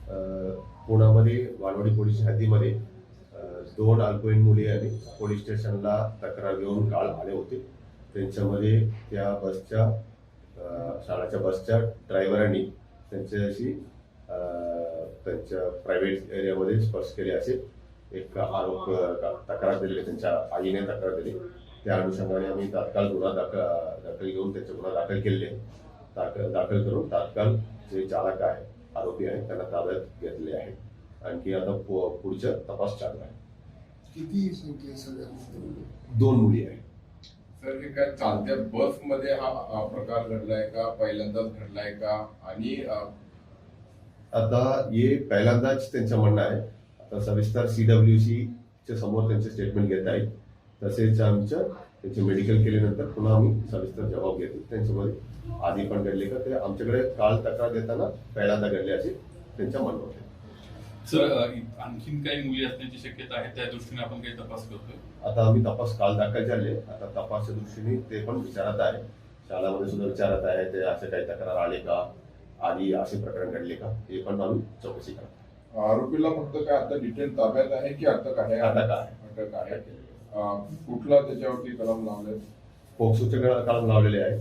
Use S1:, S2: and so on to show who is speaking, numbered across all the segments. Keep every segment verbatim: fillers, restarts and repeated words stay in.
S1: पुण्यामध्ये वालवाडी पोलीस हद्दीमध्ये दोन अल्पवयीन मुली आणि पोलीस स्टेशनला तक्रार घेऊन काल आले होते. त्यांच्यामध्ये त्या बसच्या शाळेच्या बसच्या ड्रायव्हरांनी त्यांच्याशी त्यांच्या प्रायव्हेट एरियामध्ये स्पर्श केले असे एक आरोप तक्रार दिली. त्यांच्या आईने तक्रार दिली. त्या अनुषंगाने आम्ही तात्काळ गुन्हा दाखल दाखल घेऊन त्याचे गुन्हा दाखल केले. दाखल दाखल करून तात्काळ जे चालक आहे आरोपी आहे त्यांना ताब्यात घेतले आहे. आणखी आता पुढचा तपास चालू आहे.
S2: किती संख्या सगळ्या
S1: दोन मुली आहेत.
S3: सर, हे काय चालत्या बस मध्ये हा प्रकार घडलाय का, पहिल्यांदाच घडलाय का? आणि
S1: आता हे पहिल्यांदाच त्यांचं म्हणणं आहे. आता सविस्तर सीडब्ल्यूसी च्या समोर त्यांचे स्टेटमेंट घेत आहेत. तसेच आमचं त्यांचे मेडिकल केल्यानंतर पुन्हा आम्ही सविस्तर जबाब घेतो. त्यांच्यामध्ये आधी पण घडले का ते आमच्याकडे काल तक्रार देताना पहिल्यांदा घडले असे त्यांच्या म्हणणं होते.
S4: सर, आणखीन काही मुली असण्याची शक्यता आहे, त्या दृष्टीने आपण काही तपास करतोय.
S1: आता आम्ही तपास काल दाखल झाले. आता तपासच्या दृष्टीने ते पण विचारत आहे. शाळामध्ये सुद्धा विचारत आहे ते असे काही तक्रार आले का, आधी असे प्रकरण घडले का, हे पण आम्ही चौकशी करतो.
S3: आरोपीला फक्त काय आता डिटेल ताब्यात आहे की अटक आहे?
S1: अटक आहे.
S3: अटक आहे. कुठला त्याच्यावरती कलम लावले?
S1: पोक्सोचे कलम लावलेले आहे.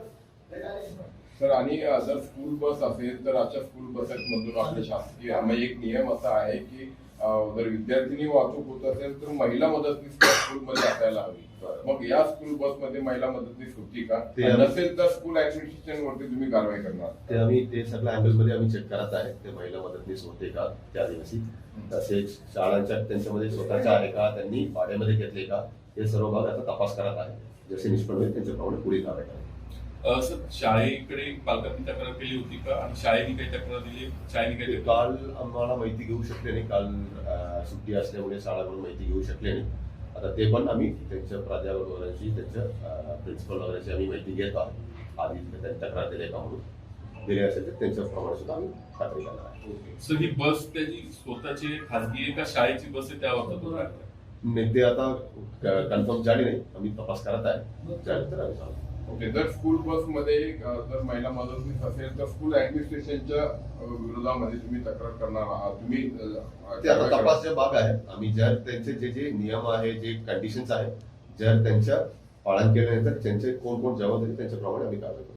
S3: सर, आणि जर स्कूल बस असेल तर अशा स्कूल बसेसमधून आपले शासकीय एक नियम असा आहे की जर विद्यार्थिनी वाहतूक होत असेल तर महिला मदतनीस स्कूलमध्ये असायला हवी. मग या स्कूल बसमध्ये महिला मदतनीस होती का? नसेल तर स्कूल ऍडमिनिस्ट्रेशन वरती तुम्ही कारवाई करणार?
S1: ते आम्ही ते सगळ्या अँगल मध्ये आम्ही चेक करत आहे. ते महिला मदतनीस होते का त्या दिवशी. तसेच शाळांच्या त्यांच्यामध्ये स्वतःच्या आहे का, त्यांनी भाड्यामध्ये घेतले का, हे सर्व भाग आता तपास करत आहे. जसे निष्पन्न होईल त्यांच्याप्रमाणे पुढे कारवाई करा.
S4: सर, शाळेकडे पालकांनी तक्रार केली होती का, आणि शाळेने काही तक्रार दिली? शाळेने काही
S1: काल आम्हाला माहिती घेऊ शकले नाही. काल सुट्टी असल्यामुळे शाळाकडून माहिती घेऊ शकले नाही. आता ते पण आम्ही त्यांच्या प्राध्यापक वगैरेची, त्यांच्या प्रिन्सिपल वगैरेची आम्ही माहिती घेतो आहोत. आधी त्यांनी तक्रार दिली का म्हणून दिले असेल तर त्यांच्याप्रमाणे सुद्धा आम्ही खात्री करणार आहे.
S4: सर, ही बस त्याची स्वतःची खाजगी आहे का शाळेची बस आहे, त्यावर
S1: नाही ते आता कन्फर्म झाली नाही. आम्ही तपास करत आहे. झाले तर आम्ही सांगतो.
S3: ओके. जर स्कूल बस मध्ये जर महिला मदतनीस असेल तर स्कूल ऍडमिनिस्ट्रेशनच्या विरोधामध्ये तुम्ही तक्रार करणार आहात? तुम्ही
S1: ते आता तपासचा भाग आहे. आम्ही जर त्यांचे जे जे नियम आहे, जे कंडिशन्स आहे, जर त्यांच्या पालन केल्यानंतर त्यांचे कोण कोण जबाबदारी त्यांच्याप्रमाणे आम्ही कारवाई करतो.